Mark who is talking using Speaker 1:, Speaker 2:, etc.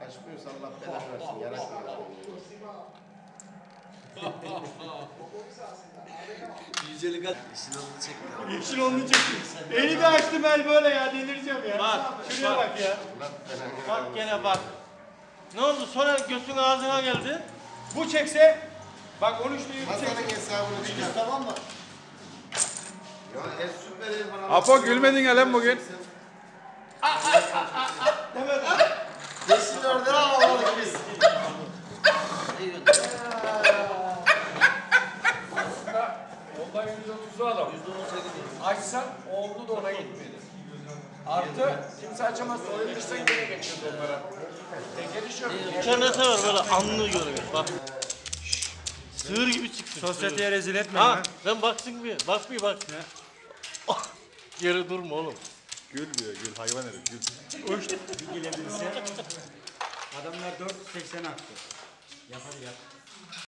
Speaker 1: Açmıyorsa Allah belanı versin. Yaratmıyor.
Speaker 2: Yücelik at. İşin onu çekti.
Speaker 3: Yeşil onu çekti. Eli de açtım el böyle ya, delireceğim ya.
Speaker 4: Bak,
Speaker 3: Şuraya bak ya. Bak gene bak. Ne oldu? Sonra götün ağzına geldi. Bu çekse, bak 13 lirayı bu
Speaker 1: Masanın
Speaker 3: çekse.
Speaker 1: hesabını çıkar.
Speaker 3: Tamam mı?
Speaker 1: Ya süper el falan.
Speaker 5: Apo gülmedin ya lan bugün.
Speaker 3: Demedim.
Speaker 1: Yeşil orada ağladık biz.
Speaker 6: Ondan 130'lu adam. Açsan oldu da ona gitmedi. Artı kimse açamazsa oyun dıştan geri geçiyordu onlara. Tekeri yok.
Speaker 4: İnternete var böyle anlığı görüyor. Bak. Sığır gibi çıksın.
Speaker 3: Sosyeteye rezil etme
Speaker 4: Ha,
Speaker 3: ya.
Speaker 4: sen baksın bir. Bak bir bak. Geri durma oğlum.
Speaker 5: Gül diyor gül hayvan herif gül.
Speaker 3: Uçtu. Bir gelebilse. Adamlar 480 attı. Yapar yap.